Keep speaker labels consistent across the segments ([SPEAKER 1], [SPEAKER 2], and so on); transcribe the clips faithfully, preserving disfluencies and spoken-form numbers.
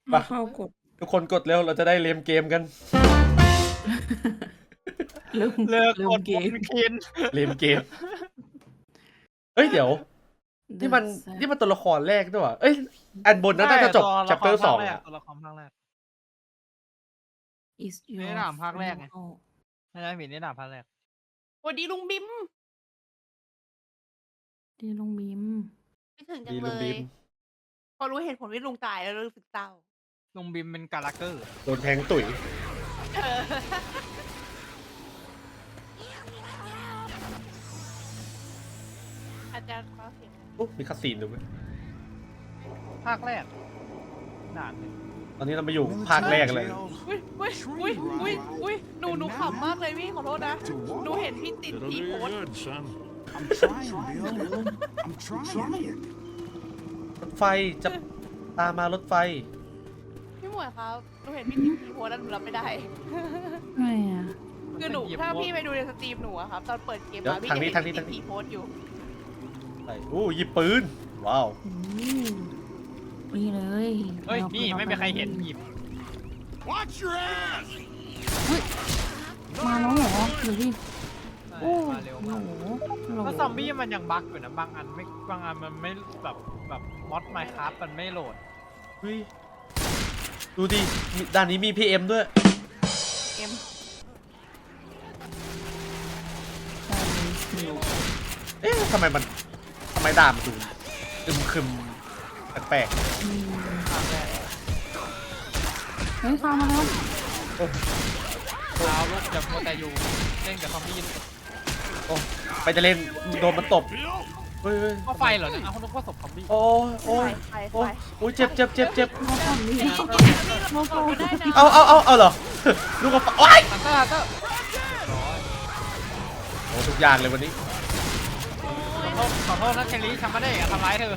[SPEAKER 1] มาเข้ากด
[SPEAKER 2] ทุกคนกดเร็วเราจะได้เล่นเกมกัน
[SPEAKER 1] เริ่ม
[SPEAKER 3] เลิก
[SPEAKER 1] เริ่
[SPEAKER 3] ก
[SPEAKER 1] ม
[SPEAKER 3] ด
[SPEAKER 1] เก
[SPEAKER 3] บ
[SPEAKER 1] ม
[SPEAKER 3] นเคน
[SPEAKER 2] เล่นเกมเฮ้ยเดี๋ยวนี่มัน
[SPEAKER 1] The
[SPEAKER 2] นี่มันตัวละครแรกด้วยวะเอ้ยอันบนน่าจะจบ
[SPEAKER 3] ตัวละคร
[SPEAKER 2] chapter สอง
[SPEAKER 3] ภาคแรก
[SPEAKER 2] อะ
[SPEAKER 3] ตัวละครภาคแรก
[SPEAKER 1] is
[SPEAKER 3] ไม่
[SPEAKER 1] your
[SPEAKER 3] ได้ถามภาคแรกไง
[SPEAKER 1] final
[SPEAKER 3] ไม่ได้หมิ่นนี่หนาภาคแรก
[SPEAKER 4] สวัสดีลุงบิม
[SPEAKER 1] ดีลุงบิม
[SPEAKER 4] ไม่ถึงจั
[SPEAKER 2] ดี
[SPEAKER 4] ง
[SPEAKER 2] ลุ
[SPEAKER 4] เล
[SPEAKER 2] งบิ
[SPEAKER 4] ย
[SPEAKER 2] ม
[SPEAKER 4] พอรู้เหตุผลที่ลุงตายแล้วรู้สึกเศร้า
[SPEAKER 3] ลุงบิมเป็นการาเกอร์
[SPEAKER 2] โดนแทงตุ๋ย
[SPEAKER 4] อาจารย์เขาเสียง
[SPEAKER 2] โอ้มีคาซีนด้วย
[SPEAKER 3] ภาคแรกด่านหนึ่ง
[SPEAKER 2] ตอนนี้เรามาอยู่ภาคแรกเลย
[SPEAKER 4] อุ้ยอุ้ยอุ้ยอุ้ยอุ้ยหนูหนูขำมากเลยพี่ขอโทษนะ หนูเห็นพี่ติด
[SPEAKER 5] It'll
[SPEAKER 4] พี่
[SPEAKER 5] do
[SPEAKER 4] โพ
[SPEAKER 5] you
[SPEAKER 4] สต์
[SPEAKER 5] good, son.
[SPEAKER 6] I'm trying, Bill. I'm trying.
[SPEAKER 2] รถไฟจะตามมารถไฟ
[SPEAKER 4] พี่หมวยครับหนูเห็นพี่ติดพี่โพสต์แล้วหนูรับไม่ได้
[SPEAKER 1] ไม่อะ
[SPEAKER 4] คือหนูถ้าพี่ไปดูในสตรีมหนูอะครับตอนเปิดเกม
[SPEAKER 2] เดี๋ยว
[SPEAKER 4] มาพี่
[SPEAKER 2] ทางนี้
[SPEAKER 4] จะเห็น
[SPEAKER 2] ทางนี้
[SPEAKER 4] พี่ติ
[SPEAKER 2] ทาง
[SPEAKER 4] ด
[SPEAKER 2] นี้
[SPEAKER 4] พี่โพสต์อยู่
[SPEAKER 2] ไปโอ้ยิบปืนว้าว
[SPEAKER 1] อืมนี่เลย
[SPEAKER 3] เฮ้ย
[SPEAKER 1] รา
[SPEAKER 3] นี่ไม่มีใครเห็นหยิบ
[SPEAKER 5] Watch your ass!
[SPEAKER 1] มาแล้วเหรอหรือพี่โอ้
[SPEAKER 3] มาเร็ว
[SPEAKER 1] โห
[SPEAKER 3] มาก
[SPEAKER 1] โห
[SPEAKER 3] แล้วซอมบี้มันยังบั๊กอยู่นะบางอันไม่บางอันมันไม่แบบแบบมอดไมค์คราฟมันไม่โหลด
[SPEAKER 2] เฮ้ยดูดิมีด้านนี้มี พี เอ็ม ด้วย
[SPEAKER 4] เอ็ม
[SPEAKER 2] เอ๊ะทำไมมันทำไมด่ามันดูอึมครึมแปลก
[SPEAKER 1] อืม
[SPEAKER 3] ภาคแรก
[SPEAKER 1] เฮ้ยข้ามมาแล้ว
[SPEAKER 2] ๆโอ้
[SPEAKER 3] ดาวลูกจะมัวแต่อยู่เล่นกับซอมบี้
[SPEAKER 2] โอ้ไปจะเล่นโดนมันตบ
[SPEAKER 5] Bill?
[SPEAKER 2] เฮ้ยเฮ้ย
[SPEAKER 3] ก็ไฟเหรอเนี่ยเอาคนนึกว่าศพซอมบี้
[SPEAKER 2] โอ้ยโอ้ย
[SPEAKER 4] ไฟไฟ
[SPEAKER 2] โอ้ยโอ้ยเจ็บเจ็บเจ็บเจ็บ
[SPEAKER 1] มาฝั่งนี้
[SPEAKER 4] เรากดได้นะ
[SPEAKER 2] เอาเอาเอาเอาเหรอ ลูกกระป๋องโอ้ย
[SPEAKER 3] ฮันเตอร์ฮันเตอร์
[SPEAKER 2] โอ้ทุกอย่างเลยวันนี้
[SPEAKER 3] ขอโทษขอโทษนะเชลี่ฉันไม่ได้อยากทำร้ายเธอ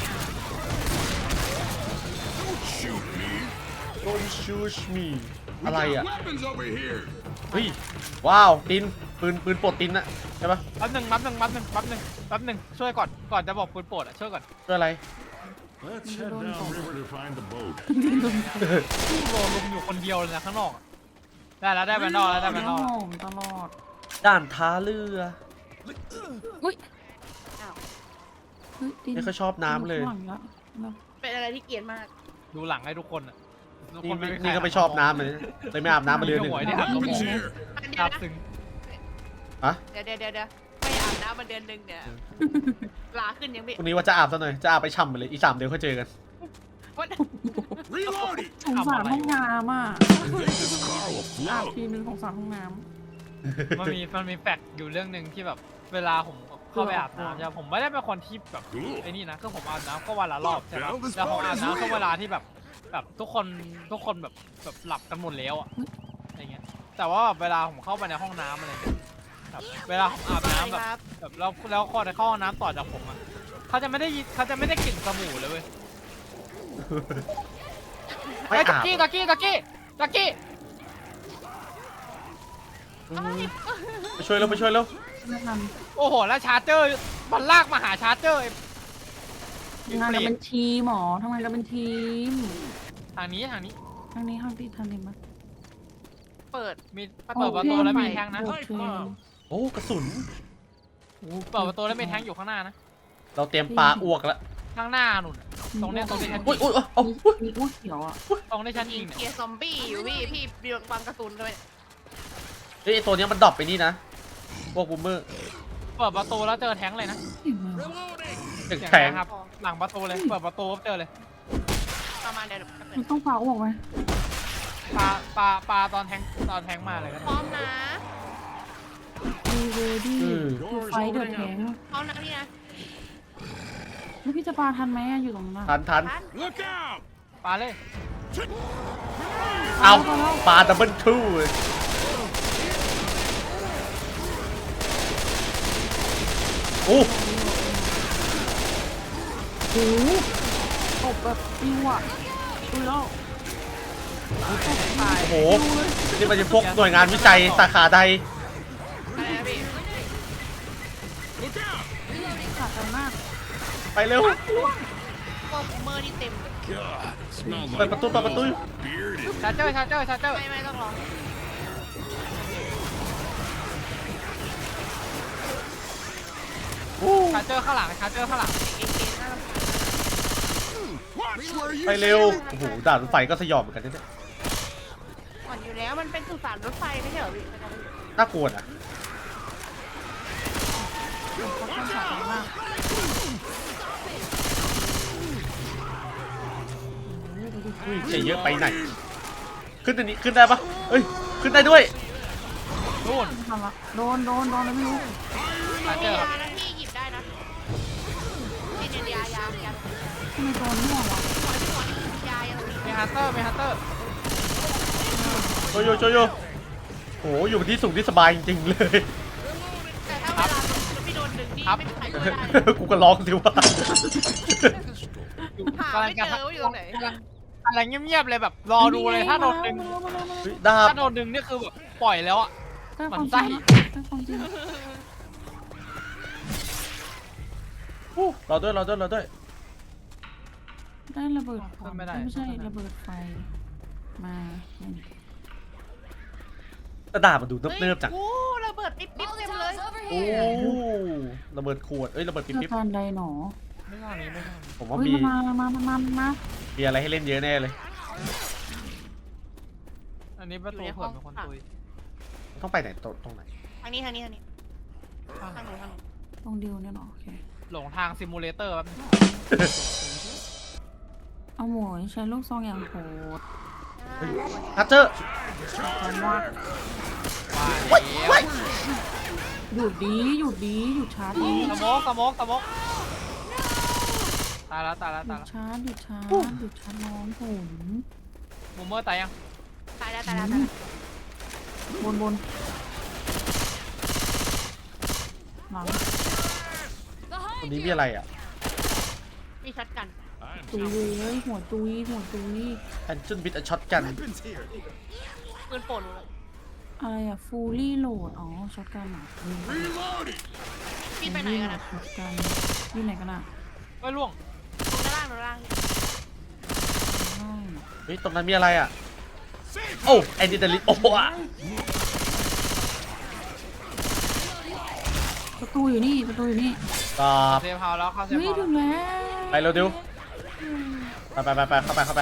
[SPEAKER 2] Don't shoot me อะไรอ่ะ
[SPEAKER 5] Weapons over here!
[SPEAKER 2] เฮ้ยว้าวตินปืนปืนปลดตินอะใช่ปะ
[SPEAKER 3] แป๊บหนึ่งแป๊บหนึ่งแป๊บหนึ่งแป๊บหนึ่งแป๊บหนึ่งช่วยก่อนก่อนจะบอกปืนโปรดอ่ะช่วยก่อน
[SPEAKER 2] เพื่ออะไร
[SPEAKER 5] Let's head down river to find the boat.
[SPEAKER 3] พี่โบลุมอยู่คนเดียวเลยนะข้างนอกอะได้แล้วได้แบนดอลแล้วได้แบนดอล
[SPEAKER 1] โอ้
[SPEAKER 3] แล้ว
[SPEAKER 1] โหตลอด
[SPEAKER 2] ด่านท้าเรือ
[SPEAKER 1] อุ้ย
[SPEAKER 4] อ้าว
[SPEAKER 1] เฮ้ยดิ
[SPEAKER 2] ไม่ค่อยชอบน้ำเลย
[SPEAKER 1] ข้างหงแล้วแล้ว
[SPEAKER 4] เป็นอะไรที่เกลียดมาก
[SPEAKER 3] ดูหลังให้ทุกคนอ่ะทุก
[SPEAKER 2] นี่
[SPEAKER 3] คน
[SPEAKER 2] ไม่
[SPEAKER 3] ใคร
[SPEAKER 2] นี่ก็ไม่ชอบน้ำเลยเลยไม่อาบน้ำมาเดือนหนึ่ง
[SPEAKER 3] หวยเนี่ย
[SPEAKER 5] Weapons here!
[SPEAKER 4] เดี๋ยว
[SPEAKER 3] อาบ
[SPEAKER 4] นะ
[SPEAKER 3] ถึง
[SPEAKER 2] อะ
[SPEAKER 4] เดี๋ยวเดี๋ยวเดี๋ยวเดี๋ยวไม่อาบน้ำมาเดือนหนึ่งเนี่ยลาขึ้นยังไม่
[SPEAKER 2] พรุ่งนี้ว่าจะอาบซะหน่อย จะอาบไปช่ำไปเลย อีกสามเดือนค่อยเจอกัน
[SPEAKER 4] วัน
[SPEAKER 5] Reloading!
[SPEAKER 1] สงสารห้องน้ำอ่ะ
[SPEAKER 5] I think this car will
[SPEAKER 1] อาบ
[SPEAKER 5] float.
[SPEAKER 1] ทีนึงสงสารห้องน้
[SPEAKER 3] มันมีมันมีแฟกต์อยู่เรื่องหนึ่งที่แบบเวลาผมเข้าไปอาบน้ำใช่ปะผมไม่ได้เป็นคนที่แบบไอ้นี่นะคือผมอาบน้ำก็วันละรอบใช่ปะแล้วผมอาบน้ำก็เวลาที่แบบแบบทุกคนทุกคนแบบแบบหลับกันหมดแล้วอะอะไรเงี้ยแต่ว่าแบบเวลาผมเข้าไปในห้องน้ำอะไรเงี้ยแบบเวลาผมอาบน้ำแบบ
[SPEAKER 4] ครับ
[SPEAKER 3] แบบแล้วแล้วคนในเข้าห้องน้ำต่อจากผมอ่ะเขาจะไม่ได้ยินเขาจะไม่ได้กลิ่นสบู่เลยเว้ย
[SPEAKER 2] ไม่
[SPEAKER 3] ไอ้ยตะ
[SPEAKER 2] อาบ
[SPEAKER 3] กี้ตะกี้ตะกี้ตะกี้
[SPEAKER 2] อืมไปช่วยแล้วไปช่วยแล้ว
[SPEAKER 1] ำไม่ทัน
[SPEAKER 3] โอ้โหแล้วชาร์เจอร์มันลากมาหาชาร์เจอร์ไอ้
[SPEAKER 1] ทำงานกันเป็นทีมหมอทำงานกันเป็นทีม
[SPEAKER 3] ทางนี้ทางนี้
[SPEAKER 1] ทางนี้ทางที่ทางนี้มั้ย
[SPEAKER 4] เปิด
[SPEAKER 3] มีเปิดประตูแล้วมีแทงนะ
[SPEAKER 1] โอเค
[SPEAKER 2] โอ้กระสุน
[SPEAKER 3] เปิดประตูแล้วมีแทงอยู่ข้างหน้านะ
[SPEAKER 2] เราเตรียมปลาอ้วกแล้ว
[SPEAKER 3] ข้างหน้านุ่นอะตรงเนี้ยตรงที่ฉัน
[SPEAKER 2] อุ้
[SPEAKER 3] ยิ
[SPEAKER 2] ย
[SPEAKER 3] ง
[SPEAKER 2] อุ้ยเอาอุ้ย
[SPEAKER 1] มีอ้วกเขียวอ่ะ
[SPEAKER 3] ตรงที่ฉัน
[SPEAKER 4] ยิ
[SPEAKER 3] ยิ
[SPEAKER 4] ง
[SPEAKER 3] ง
[SPEAKER 4] เคลี
[SPEAKER 3] เนี่ย
[SPEAKER 4] ยร์ซอมบี้อยู่พี่พี่เบียร์บังกระสุนเลย
[SPEAKER 2] เฮ้ยไอ้ตัวเนี้ยมันดรอปไปนี่นะ พวกบูมเมอร์
[SPEAKER 3] เปิดประตูแล้วเจอแทงเลยนะ
[SPEAKER 1] เห็นไหมวะ
[SPEAKER 2] ตึก
[SPEAKER 3] เสียง
[SPEAKER 2] แทง
[SPEAKER 3] นะครับหลังประตูเลยเปิดประตูปุ๊บเจอเลย
[SPEAKER 4] ประมาณเดี๋ยว
[SPEAKER 1] มันต้องฟ้าอ้วกไหม
[SPEAKER 3] ปลาปลาปลาตอนแทงตอนแทงมาเลยก็
[SPEAKER 4] พ
[SPEAKER 3] ได้
[SPEAKER 4] ร้อมนะ
[SPEAKER 1] ดีเรดี้
[SPEAKER 2] อืม
[SPEAKER 1] ไฟเดือดแข็ง
[SPEAKER 4] พร้อมนะพี่นะ
[SPEAKER 1] แล้วพี่จะปาทันไหมอะอยู่ตรงนั้น
[SPEAKER 2] ทันทัน
[SPEAKER 4] ทัน
[SPEAKER 5] Look out!
[SPEAKER 3] ปลาเลย
[SPEAKER 2] เอาปลาดับเบิลทูโอ้
[SPEAKER 1] โหตบแบบปิวอ่ะดูแล้ว
[SPEAKER 2] โห นี่มันจะพวกหน่วยงานวิจัยสาขาใด
[SPEAKER 4] อะไรนะพี่
[SPEAKER 5] Look out!
[SPEAKER 1] ขาดใจมาก
[SPEAKER 2] ไปเร็ว
[SPEAKER 4] พวกบูมเมอร์ที่เต็มเลย
[SPEAKER 5] God, it smells
[SPEAKER 2] เปิด
[SPEAKER 5] like
[SPEAKER 2] ประตูเปิดประตู
[SPEAKER 5] bearded.
[SPEAKER 3] ชาร์เจอร์ชาร์เจอร์ชาร์เจอร์
[SPEAKER 4] ไม่ไม่ต้องรอ
[SPEAKER 3] ชาร์เจอร์ข้างหลังชาร์เจอร์ข้างหลัง
[SPEAKER 4] เอเกน่ารำคาญ
[SPEAKER 5] Watch where you
[SPEAKER 2] ไปเร็วโอ้โหด่านรถไฟก็สยองเหมือนกันเนี่ย
[SPEAKER 4] ก่อนอยู่แล้วมันเป็นสุสานรถไฟไม่ใช่เหรอพี่ไม่ต้องไปอยู่
[SPEAKER 2] น่ากลัวนะ
[SPEAKER 1] เขาต้องฉากมาก
[SPEAKER 2] อุ้ยจะเยอะไปไหนขึ้นอันนี้ขึ้นได้ปะเอ้ยขึ้นได้ด้วย
[SPEAKER 3] นู่น
[SPEAKER 1] ทำละโดนโดนโดนอะไรไม่รู้
[SPEAKER 3] ชาร์เจ
[SPEAKER 4] มี
[SPEAKER 3] อร์
[SPEAKER 4] ยานะพี่หยิบได้นะนี่เนี่ยยายายา
[SPEAKER 1] ทำไมโดนม่วงวะ
[SPEAKER 4] หัวที่หัวยายา
[SPEAKER 3] มีฮันเตอร์มีฮันเตอร์
[SPEAKER 2] โชโยโชโยโอ้โหอยู่ที่สูงที่สบายจริงๆเลย
[SPEAKER 4] แต่ถ้าเวลาพี่โดนดึงนี่ไม่มีใครช่วยได้
[SPEAKER 2] กูก็ร้องสิว่า
[SPEAKER 4] หาไม่เจอว่าอยู่ตรงไหน
[SPEAKER 3] กำลังกำลังเงียบๆเลยแบบรอดูเลยถ้าโดนดึง
[SPEAKER 1] มาแล้วมาแล้วมาแล้ว
[SPEAKER 2] เฮ้ยดาบ
[SPEAKER 3] ถ้าโดนดึงนี่คือแบบปล่อยแล้วอ่ะ
[SPEAKER 1] ใกล้ความ
[SPEAKER 3] มัน
[SPEAKER 1] จ
[SPEAKER 3] ไส้
[SPEAKER 1] ริงแล้วใกล้ความจริง
[SPEAKER 2] อู้รอด้วยรอด้วยรอด้วย
[SPEAKER 1] ได้ระเบิดควันไม่ใช่ระเบิดไฟมานี่
[SPEAKER 2] แต่ดาบมันดูเนิบๆจัง
[SPEAKER 4] โอ้ระเบิดปิ๊บปิ๊บเต็มเลย
[SPEAKER 2] โอ้ระเบิดขวดเอ้ยระเบิดปิ๊บ
[SPEAKER 1] เจอ
[SPEAKER 2] ปิ๊บ
[SPEAKER 1] ตอนใดหนอ
[SPEAKER 3] ไม่ใช่นี้ไม่ใช่
[SPEAKER 2] ผมว่า
[SPEAKER 1] เฮ้ย
[SPEAKER 2] มี
[SPEAKER 1] มามามามามา
[SPEAKER 2] มีอะไรให้เล่นเยอะแน่เลย
[SPEAKER 3] อันนี้ประตูเผื่อเป็นคนตุย
[SPEAKER 2] ต้องไปไหนตรงตรงไหน
[SPEAKER 4] ทางนี้ทางนี้ทางนี้ทางหนูทางหนู
[SPEAKER 1] ตรงเดียวเนี่ยหรอโอเค
[SPEAKER 3] หลงทางซิมูเลเตอร์แบบ
[SPEAKER 1] เอาหมวยใช้ลูกซองอย่างโหด
[SPEAKER 2] เฮ้ยฮัตเจอร์
[SPEAKER 1] ผมว่า
[SPEAKER 3] ว่าแล้ว
[SPEAKER 1] หยุดดีหยุดดีหยุดชาร์จดี
[SPEAKER 3] สโมกสโมกสโมกตายแล้วตายแล้ว
[SPEAKER 1] หยุ
[SPEAKER 3] ตาย
[SPEAKER 1] ด
[SPEAKER 3] แล้ว
[SPEAKER 1] ชาร์จหยุดชาร์จหยุดชาร์จน้องผม
[SPEAKER 3] มูเมอร์ตายยัง
[SPEAKER 4] ตายแล้วตายแล้วตายแล้ว
[SPEAKER 1] บนบนหลัง
[SPEAKER 2] ตรงนี้มีอะไรอ่ะ
[SPEAKER 4] มีช็อตกัน
[SPEAKER 5] I'm
[SPEAKER 1] ตุย
[SPEAKER 5] telling
[SPEAKER 1] เลยหัวตุยหัวตุย
[SPEAKER 2] แอนจุนบิดช็อตกัน
[SPEAKER 5] weapons here.
[SPEAKER 4] ปืนโป่งเลย
[SPEAKER 1] อะไรอะฟูลี่โหลดอ๋อช็อตกันเหรอ
[SPEAKER 5] Reloading.
[SPEAKER 4] พี่ไปไหนกันนะ
[SPEAKER 1] ช็อตกันอยู่ไหนกันอะ
[SPEAKER 3] ไอ้ยล่วง
[SPEAKER 4] ตรงด้านล่างตรงด้านล่าง
[SPEAKER 1] ใช่
[SPEAKER 2] เฮ้ยตรงนั้นมีอะไรอ่ะโอ้แอนดิเดลิโอ้อะ
[SPEAKER 1] ประตูอยู่นี่ประตูอยู่นี่
[SPEAKER 2] ตาบ
[SPEAKER 3] เซฟเฮาส์แล้วเข้าเซฟ
[SPEAKER 1] เฮ้ย
[SPEAKER 3] เฮาส์
[SPEAKER 1] ถึ
[SPEAKER 3] แล้ว
[SPEAKER 1] งแล้ว
[SPEAKER 2] ไปเร็วดิวไปไปไปไปเข้าไปเข้าไป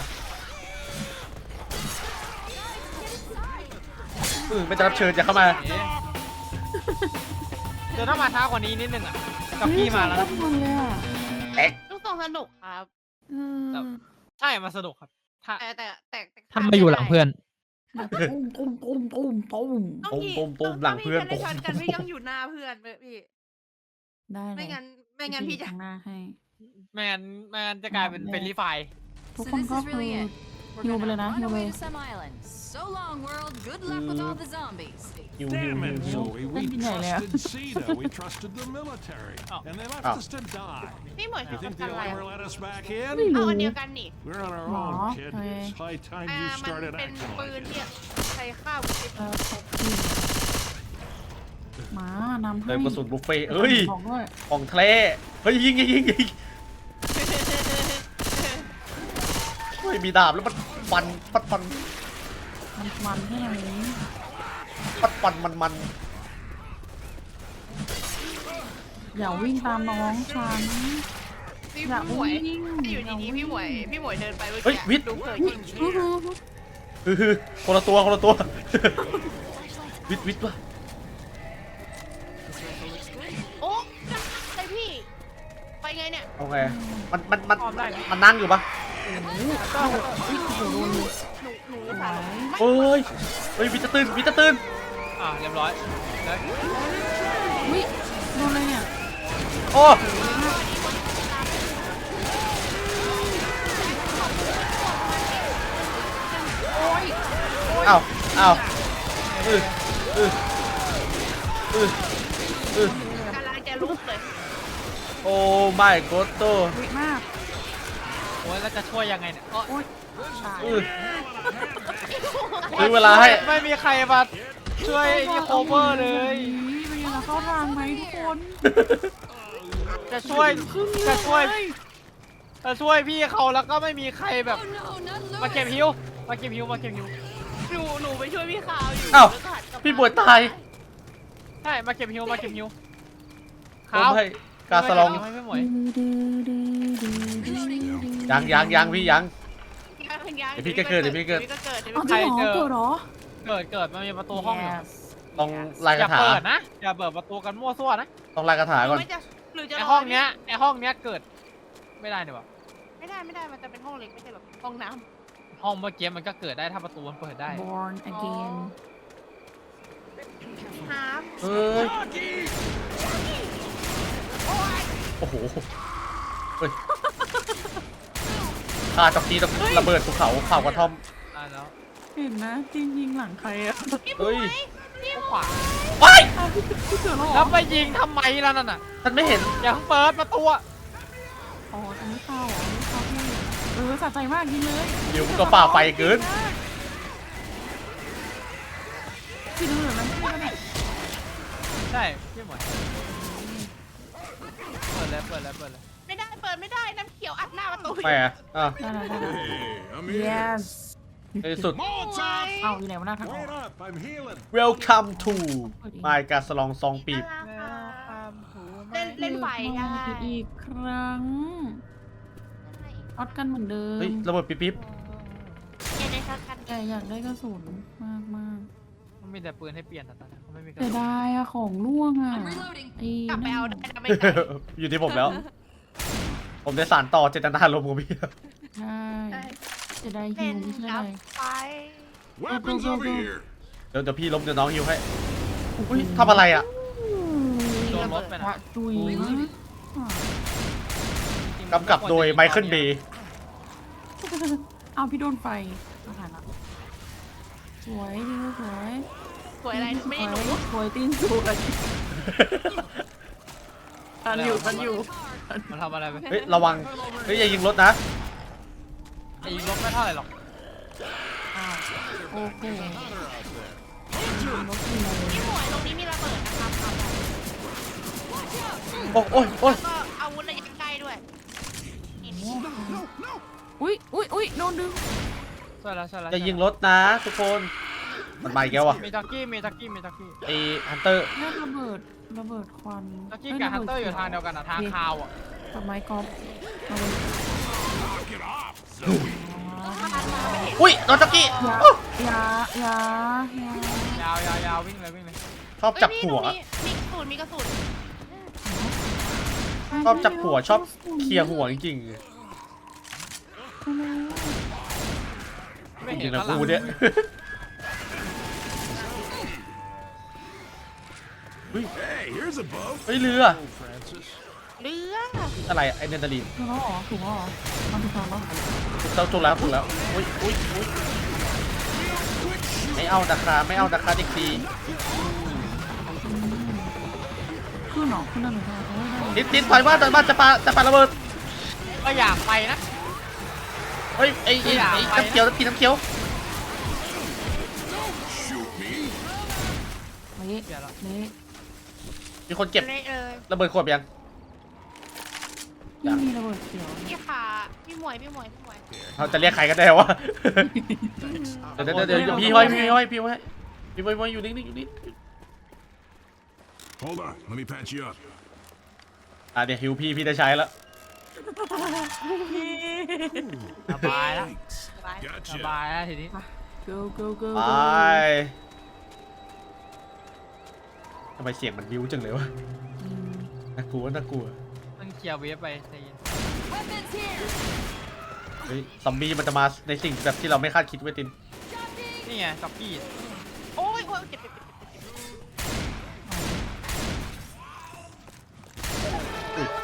[SPEAKER 2] อือไม่จะรับเชิญจะเข้ามา
[SPEAKER 3] เอ๊ะเดี๋ยวถ้ามาช้ากว่านี้นิดนึงอ่ะกับพี่มาแล้ว
[SPEAKER 1] เฮ้
[SPEAKER 3] นะ
[SPEAKER 1] ยชอบมันเลยอะ
[SPEAKER 2] เอ็ก
[SPEAKER 4] ลูกทรงสนุกครับ
[SPEAKER 1] เออ
[SPEAKER 3] ใช่มาสนุกครับถ้า
[SPEAKER 4] แต่แต่แต่แต่
[SPEAKER 3] ถ้าไม่อยู่หลังเพื่อน
[SPEAKER 1] แบบตุ้มตุ้มตุ้มตุ้มตุ้ม
[SPEAKER 4] ต้อง
[SPEAKER 2] ปุ้ม
[SPEAKER 4] พี่
[SPEAKER 2] ปุ้มปุ้มหลังเพื่อน
[SPEAKER 4] ต้
[SPEAKER 2] ปุ้
[SPEAKER 4] อง
[SPEAKER 2] ม
[SPEAKER 4] พี่จะได้ช็อตกันพี่ต้องอยู่หน้าเพื่อนเว้ยพี่
[SPEAKER 1] ได้เลย
[SPEAKER 4] ไม่งั้นไม่งั้นพี่จะ
[SPEAKER 1] ข้างหน้าให้
[SPEAKER 3] ไม่งั้นไม่งั้นจะกลายเป็นเป็นรีไฟล์
[SPEAKER 1] ทุก
[SPEAKER 7] So
[SPEAKER 1] คน
[SPEAKER 7] this
[SPEAKER 1] ก็
[SPEAKER 7] is
[SPEAKER 1] คือ
[SPEAKER 7] really it.
[SPEAKER 1] ฮิ
[SPEAKER 7] We're
[SPEAKER 1] วไปเลย
[SPEAKER 7] gonna
[SPEAKER 1] นะ
[SPEAKER 7] run
[SPEAKER 1] ฮิวเลย
[SPEAKER 7] away to some island. So long, world. Good luck with all the zombies.
[SPEAKER 2] ฮิวฮิว
[SPEAKER 5] Damn
[SPEAKER 2] ฮิ
[SPEAKER 5] it,
[SPEAKER 2] วฮิว
[SPEAKER 5] Zoe. We
[SPEAKER 1] Thank you, Nelia.
[SPEAKER 5] trusted CETA. We trusted the military.
[SPEAKER 3] Oh.
[SPEAKER 5] And they left
[SPEAKER 2] Oh.
[SPEAKER 5] us to die.
[SPEAKER 4] พี่หมวย
[SPEAKER 5] You
[SPEAKER 4] ช็อต
[SPEAKER 5] think
[SPEAKER 4] กัน
[SPEAKER 5] they'll
[SPEAKER 4] อะไร
[SPEAKER 5] ever let us back in?
[SPEAKER 4] เอาอันเดียวกันนี่
[SPEAKER 5] We're on our
[SPEAKER 1] Aw,
[SPEAKER 5] own, kid.
[SPEAKER 1] okay.
[SPEAKER 5] It's high time
[SPEAKER 4] อ่า
[SPEAKER 5] you
[SPEAKER 4] มัน
[SPEAKER 5] started
[SPEAKER 4] เป็น
[SPEAKER 5] acting
[SPEAKER 4] ปืน
[SPEAKER 5] like it.
[SPEAKER 4] ที่ใช้ข้าว
[SPEAKER 1] เออขอบคุณหมานำให้
[SPEAKER 2] เติมกระสุนบุฟเฟ่ต์เฮ้ย
[SPEAKER 1] บอกด้วย
[SPEAKER 2] ของแท้เฮ้ยยิงยิงยิงยิงเฮ้ยมีดาบแล้วมันฟันปัดฟัน
[SPEAKER 1] มันมันให้ไหน
[SPEAKER 2] ปัดฟันมันมัน
[SPEAKER 1] อย่าวิ่งตามน้องฉัน
[SPEAKER 4] พี่
[SPEAKER 1] อย่า
[SPEAKER 4] หมวย
[SPEAKER 1] วิ่ง
[SPEAKER 4] ที่อยู่ดีๆพี่หมวยพี่หมวยเดินไปเมื่อ
[SPEAKER 2] เฮ้ย
[SPEAKER 4] กี้
[SPEAKER 2] วิทย์
[SPEAKER 4] ดูเผยยิง
[SPEAKER 1] ฮู้ฮู้ฮู้
[SPEAKER 2] ฮือฮือคนละตัวคนละตัว วิทย์วิทย์วะ
[SPEAKER 4] โอ้ไอพี่ไปไงเนี่ย
[SPEAKER 2] โอเคมันมันมันมันนั่งอยู่ปะ
[SPEAKER 1] วิ่งโอ้โหโดนเลย
[SPEAKER 4] หนูหนูสาร
[SPEAKER 2] เฮ้ยเฮ้ยวิทย์จะตื่นวิทย์จะตื่น
[SPEAKER 3] อ่าเรียบร้อยแล้ว
[SPEAKER 1] วิโดนอะไรเนี่ย
[SPEAKER 2] โอ้อ้าวอ้าวอืออืออืออือก
[SPEAKER 4] ำลังจะลุกเลย
[SPEAKER 2] โอ้ไม่โกโต้
[SPEAKER 1] วิมาก
[SPEAKER 3] โอ้ยแล้วจะช่วยยังไงเนี่ยอ๋อ
[SPEAKER 1] โอ๊ยตาย
[SPEAKER 2] อือซื้อเวลาให้
[SPEAKER 3] ไม่มีใครมาช่วยนี่โคเวอร์เลย
[SPEAKER 1] เป็นยังไงเข้าทางไหมทุกคน
[SPEAKER 3] จะช่วยจะช่วยจะช่วยพี่เขาแล้วก็ไม่มีใครแบบ
[SPEAKER 7] Oh no, not
[SPEAKER 3] มาเก็บ
[SPEAKER 7] Lewis.
[SPEAKER 3] ฮิวมาเก็บฮิวมาเก็บฮิว
[SPEAKER 4] หนูหนูไปช่วยพี่ขาวอยู่
[SPEAKER 2] อ้าว
[SPEAKER 4] แล้วก็หันกลับมา
[SPEAKER 2] พี่บวยตาย
[SPEAKER 3] ใช่มาเก็บฮิวมาเก็บฮิว
[SPEAKER 2] ผมให้กาสลอง
[SPEAKER 3] ไม่ไม่หมวย
[SPEAKER 2] ยังยังยังพี่ยัง
[SPEAKER 4] ยังยัง
[SPEAKER 2] เดี๋ยวพี่ก็เกิดเดี๋ยวพี่เกิด
[SPEAKER 4] เดี๋ยวพี่ก็เกิดเดี๋ยว
[SPEAKER 1] เอา
[SPEAKER 4] พี่
[SPEAKER 1] จริ
[SPEAKER 4] ก็
[SPEAKER 1] งเหรอเกิดเหรอ
[SPEAKER 3] เกิดเกิดมันมีประตูห้องอยู่
[SPEAKER 1] Yes
[SPEAKER 2] ต้องลาย
[SPEAKER 3] อก
[SPEAKER 2] ระ
[SPEAKER 3] ย่า
[SPEAKER 2] ถา
[SPEAKER 3] เปิดนะอย่าเปิดประตูกันมั่วซั่วนะ
[SPEAKER 2] ต้องลายกระถา
[SPEAKER 4] หรื
[SPEAKER 2] ก่อ
[SPEAKER 4] อน ไม่จะหรือจะ
[SPEAKER 3] ไอ
[SPEAKER 4] ร
[SPEAKER 3] ห้องเนี้ยไอห้องเนี้ยเกิดไม่ได้เนี่ยวะ
[SPEAKER 4] ไม่ได้ไม่ได้มันจะเป็นห้องเล็กไม่ใช่แบบห้องน้
[SPEAKER 3] ห้องเมื่อกี้มันก็เกิดได้ถ้าประตูมันเปิดได้
[SPEAKER 1] born again
[SPEAKER 4] ำน้ำ
[SPEAKER 2] เฮ้ย โอ้โหเฮ้ยข้าจ็อกกี้ต้องระเบิดภูเขาเผากระท่อม
[SPEAKER 3] อ่าแล้ว
[SPEAKER 1] เห็นนะจริงยิงหลังใครอะ
[SPEAKER 2] เฮ้ย
[SPEAKER 3] ขวา
[SPEAKER 2] ว้าย
[SPEAKER 1] พี่เกิดแล้วเหร
[SPEAKER 3] แล้
[SPEAKER 1] อ
[SPEAKER 3] วไปยิงทำไมล่ะนั่นน่ะ
[SPEAKER 2] ฉันไม่เห็น
[SPEAKER 3] อย่าเพิ่งเปิดประตูอะ
[SPEAKER 1] อ๋ออันนี้เข้าเหรออันนี้เข้าพี่เออสะใจมากยิงเลย
[SPEAKER 2] เดี๋ยวมันก็ฝ่าไฟเกิน
[SPEAKER 1] พี่ดูเหมือนมันพี่ก็ได้
[SPEAKER 3] ใช่พี่หมวยเปิดเลยเปิดเลยเปิดเลย
[SPEAKER 4] ไม่ได้เปิดไม่ได้น้ำเขียวอัดหน้าประตู
[SPEAKER 2] แหมอ่ะ
[SPEAKER 1] ได้แล้วได้แล้ว
[SPEAKER 5] Hey, I'm here.
[SPEAKER 1] yes
[SPEAKER 2] ในที่สุด
[SPEAKER 5] Molotov!
[SPEAKER 1] เอาอยู่ไหนวะหน้าทางออก
[SPEAKER 5] Wait up, I'm healing.
[SPEAKER 2] Welcome to my กาสลองซองปีบ
[SPEAKER 4] เล่นเล่นไฟได้
[SPEAKER 1] อีกครั้งออดกันเหมือนเดิม
[SPEAKER 2] เฮ้ยระเบิดปิ๊บปิ๊บ
[SPEAKER 4] เล่นได้เท่ากัน
[SPEAKER 1] แต่อยากได้กระสุนมากมาก
[SPEAKER 3] มันมีแต่ปืนให้เปลี่ยนแต่ตอนนี้เขาไม่มีกระ
[SPEAKER 1] แต่
[SPEAKER 3] สุน
[SPEAKER 1] ได้อะของล่วงอะ
[SPEAKER 7] I'm reloading.
[SPEAKER 1] ไอ้
[SPEAKER 4] กลับไป
[SPEAKER 1] นั่น
[SPEAKER 4] เอา
[SPEAKER 1] อะ
[SPEAKER 4] ได้นะไม่ได้
[SPEAKER 2] อยู่ที่ผมแล้ว ผมได้สานต่อเจตนารมณ์ของพี่
[SPEAKER 1] ใช่จะได้ฮิ
[SPEAKER 4] เล่
[SPEAKER 1] วน ไม่ใช่
[SPEAKER 4] กลั
[SPEAKER 1] อะไร
[SPEAKER 4] บไป
[SPEAKER 5] Weapons
[SPEAKER 1] go, go,
[SPEAKER 5] over
[SPEAKER 1] go.
[SPEAKER 5] here.
[SPEAKER 2] เดี๋ยวเดี๋ยวพี่ล้มเดี๋ยวน้องฮิวให้อุ้ยทำอะไรอ่ะ
[SPEAKER 3] โดนรถไป
[SPEAKER 1] พ
[SPEAKER 3] นะ
[SPEAKER 1] ระจุยมาก
[SPEAKER 2] กำกับโดยไมเคิลเบย์
[SPEAKER 1] เอาพี่โดนไฟเอาผ่านละสวยดีสวย
[SPEAKER 4] สวยอะไรไม่ได้หนู
[SPEAKER 1] สวยตีนสวยทันอยู่ทันอยู่
[SPEAKER 3] มันทำอะไรไป
[SPEAKER 2] เฮ้ยระวัง เฮ้ยอย่ายิงรถนะ
[SPEAKER 3] ไอ้ยิงรถไม่เท่าไหร่หรอก
[SPEAKER 1] โอ้โห
[SPEAKER 4] พี่หมวยตรงนี้มีระเบิดนะครับเอาไป
[SPEAKER 2] โอ้โอ้ยโอ้ย
[SPEAKER 4] แล้วก็อาวุธระยะใกล้ด้วยนี่นี่
[SPEAKER 1] อุ้ยอุ้ยอุ้ยโดนดึง
[SPEAKER 3] ช่วยแล้วช่วยแล้ว
[SPEAKER 2] อย่ายิงรถนะทุกคน มันมาอีกแล้วอ่ะ
[SPEAKER 3] มีจ็อกกี้มีจ็อกกี้มีจ็อกกี้
[SPEAKER 2] ไอฮันเตอร์
[SPEAKER 1] เนี่ยระเบิดระเบิดควัน
[SPEAKER 3] จ็อกกี้กับฮันเตอร์อยู่ทางเดียวกันอะทางคาวอะ
[SPEAKER 1] กับไม้กอล์ฟระเบิด
[SPEAKER 5] Knock it off, Zoe.
[SPEAKER 2] อุ้ยโดนจ็อกกี้
[SPEAKER 1] ยา ยา ยา
[SPEAKER 3] ยาวยาวยาววิ่งเลยวิ่งเลย
[SPEAKER 2] ชอบจับหัว
[SPEAKER 4] เอ้ยนี่หนูมีมีกระสุนมีกระสุน
[SPEAKER 2] ชอบจับหัวชอบเคลียร์หัวจริง
[SPEAKER 3] ไม่
[SPEAKER 2] ๆจ
[SPEAKER 3] เห็
[SPEAKER 2] ริ
[SPEAKER 3] น
[SPEAKER 2] งๆนะ
[SPEAKER 3] ข้างหลัง
[SPEAKER 2] กูเนี่ย
[SPEAKER 5] Hey, here's a boat.
[SPEAKER 2] เฮ้ยเรือ
[SPEAKER 5] Oh, Francis.
[SPEAKER 4] เรือ
[SPEAKER 2] อะไรไอเนตาลีน
[SPEAKER 1] ถูกแล้วเหรอถูกแล้วเหรอมันถูกแล้วเหรอ
[SPEAKER 2] ถูกแล้วถูกแล้วถูกแล้วอุ้ยอุ้ยอุ้ยไม่เอานะคะไม่เอานะคะเด็กดี
[SPEAKER 1] ขึ้นเหรอขึ้นได้ไหมคะโอ้ยได้
[SPEAKER 2] ติดติดถอยมาถอยมาจะปาจะปาระเบิด
[SPEAKER 3] ก็อยากไปนะ
[SPEAKER 2] เฮ้ยไอ้ไอ้ไอ้น้ำเขียวน้ำกินน้ำเขียว
[SPEAKER 5] Shoot me.
[SPEAKER 1] เละ
[SPEAKER 3] เดี๋ยวละ
[SPEAKER 1] เละ
[SPEAKER 2] มีคนเก็บ
[SPEAKER 4] เละเลย
[SPEAKER 2] ระเบิดขวดยัง
[SPEAKER 1] นี่มีระเบิดเขียว
[SPEAKER 4] พี่ขาพี่หมวยพี่หมวยพี่หมวย
[SPEAKER 2] เราจะเรียกใครกันได้วะ เดี๋ยวเดี๋ยวเดี๋ยวเดี๋ยวพี่ห้อยพี่ห้อยพี่ห้อยพี่ห้อยพี่ห้อยอยู่นิ่งๆอยู่นิ่ง
[SPEAKER 5] Hold on, let me patch you up.
[SPEAKER 2] อ่ะเดี๋ยวฮิวพี่พี่ได้ใช้แล้ว
[SPEAKER 3] สบายแล้ว
[SPEAKER 5] Thanks.
[SPEAKER 3] ส
[SPEAKER 5] Gotcha.
[SPEAKER 3] บายแล้วทีนี้
[SPEAKER 1] go go go
[SPEAKER 2] ไป
[SPEAKER 1] go
[SPEAKER 2] ทำไมเสียงมันบิ้วจังเลยวะ
[SPEAKER 1] อืม
[SPEAKER 2] น่ากลัวน่ากลัว
[SPEAKER 3] มันเคลียร์เวฟไปใจเย็น
[SPEAKER 7] Weapons here.
[SPEAKER 2] เฮ้ยซอมบี้มันจะมาในสิ่งแบบที่เราไม่คาดคิดไว้ยติน
[SPEAKER 3] นี่ไงจ็อกกี้
[SPEAKER 4] โอ้ยโอ้ยเจ็บเจ็บเจ็บเจ็บ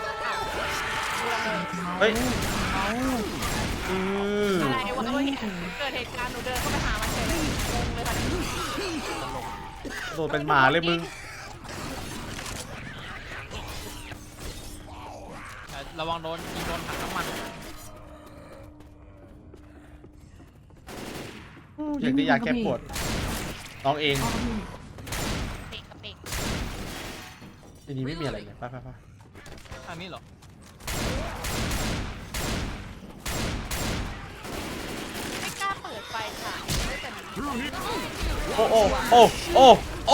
[SPEAKER 2] เฮ้ยอือ
[SPEAKER 4] อะไรวะเมื่อกี้เกิดเหตุการณ์หนูเดินเข้าไปหามันเลยงงเลยค่ะ
[SPEAKER 2] โดนเป็นหมาเลยมึง
[SPEAKER 3] ระวังโดนยิงโดนถังน้ำมัน
[SPEAKER 2] อยากได้ยาแก้ปวดน้องเอง
[SPEAKER 4] เปกกับเปก
[SPEAKER 2] ทีนี้ไม่มีอะไรเลยไปไปไป
[SPEAKER 3] อันนี้เหรอ
[SPEAKER 4] ค่ะแต่มัน
[SPEAKER 5] Through here.
[SPEAKER 2] โอ้โอ้โอ้โอ้โอ้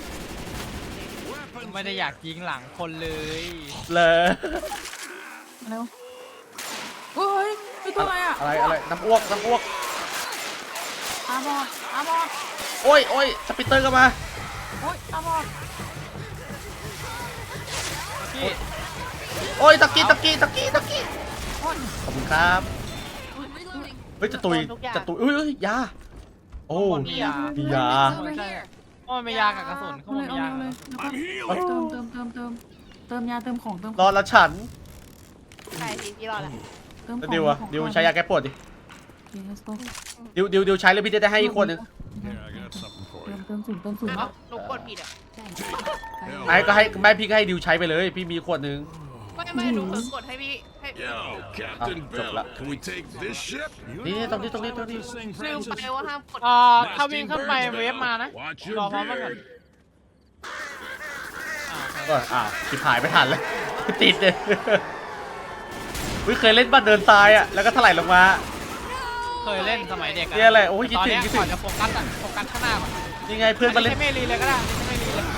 [SPEAKER 3] ไม่ได้อยากยิงหลังคนเลย
[SPEAKER 2] เลย
[SPEAKER 1] เร็วเฮ้ยคือตัวอะไรอ่ะ
[SPEAKER 2] อะไรอะไรน้ำอ้วกน้ำอ้วก
[SPEAKER 1] ตาบอดตาบอด
[SPEAKER 2] โอ้ยโอ้ยสปิตเตอร์ก็มา
[SPEAKER 1] โอ๊ยตาบอด
[SPEAKER 3] พี่
[SPEAKER 2] โอ้ยตะกี้ตะกี้ตะกี้ตะกี้ขอบคุณครับ
[SPEAKER 7] Reloading.
[SPEAKER 2] เฮ้ยจะตุยจะตุยเอ้ยเอ้ยยาโอ้
[SPEAKER 3] คนมียา
[SPEAKER 2] มียา
[SPEAKER 7] Over here.
[SPEAKER 3] โอ้ยไม่ยากับกระสุนเขา
[SPEAKER 1] เอา
[SPEAKER 3] บ
[SPEAKER 1] เล
[SPEAKER 3] อก
[SPEAKER 1] ย
[SPEAKER 3] มี
[SPEAKER 1] เอา
[SPEAKER 3] ยา
[SPEAKER 1] เลย
[SPEAKER 3] กับ
[SPEAKER 1] เอา
[SPEAKER 3] กระสุน
[SPEAKER 1] เลยแล้วก็เติมเติมเติมเติมเติมยาเติมของเติมข
[SPEAKER 2] ร
[SPEAKER 1] อ
[SPEAKER 2] อง ละฉัน
[SPEAKER 4] ใช่สิพี่รอดละ
[SPEAKER 1] เติมของ
[SPEAKER 2] ดิวอะ
[SPEAKER 1] เติมของ
[SPEAKER 2] ดิวใช้ยาแก้ปวดดิ
[SPEAKER 1] โอเค let's go
[SPEAKER 2] ดิวดิวดิวใช้เลยพี่จะได้ให้อีกคนหนึง
[SPEAKER 5] Here, I got something for
[SPEAKER 1] เติ
[SPEAKER 5] you.
[SPEAKER 1] มเติมสูงเติมสูง
[SPEAKER 4] เอ้าหนูกดผิดอ่ะ
[SPEAKER 2] ไอ้ก็ให้ไม่พี่ก็ให้ดิวใช้ไปเลย พี่มีขวดหนึง
[SPEAKER 4] ไม่ไม่หนูเพิ่งกดให้พี่ให้
[SPEAKER 5] Yo, Captain
[SPEAKER 2] Ah,
[SPEAKER 5] Bill,
[SPEAKER 2] chop
[SPEAKER 5] can we take this ship? You
[SPEAKER 2] Yeah,
[SPEAKER 5] know
[SPEAKER 2] don't do-
[SPEAKER 5] how
[SPEAKER 2] don't do-
[SPEAKER 5] to
[SPEAKER 2] don't do.
[SPEAKER 5] pilot this thing,
[SPEAKER 4] ลืม
[SPEAKER 5] Francis?
[SPEAKER 4] ไปว่าห้ามกด
[SPEAKER 3] อ่าถ้าวิ่งขึ้นไปเวฟมานะ
[SPEAKER 5] Watch
[SPEAKER 3] รอ
[SPEAKER 5] your
[SPEAKER 3] พร้อมกันก่อน
[SPEAKER 5] beard.
[SPEAKER 3] อ่าโอเค
[SPEAKER 2] ก็อ้าวชิบหายไม่ทันเลย ติดเลยอุ๊ยเคยเล่นบ้านเดินทรายอ่ะแล้วก็ถลายลงมา
[SPEAKER 3] เคยเล่นสมัยเด็ก
[SPEAKER 2] เนี่ยอะไรโอ้ยคิด
[SPEAKER 3] ตอน
[SPEAKER 2] ถึง
[SPEAKER 3] เนี้ย
[SPEAKER 2] คิดถึง
[SPEAKER 3] ก่อนจะโฟกัสอะโฟกัสข้างหน้าก่อน
[SPEAKER 2] นี่ไงเพื่อนมาเล่น
[SPEAKER 3] ใช้เมลีเลยก็ได้ใช้เมลีเลย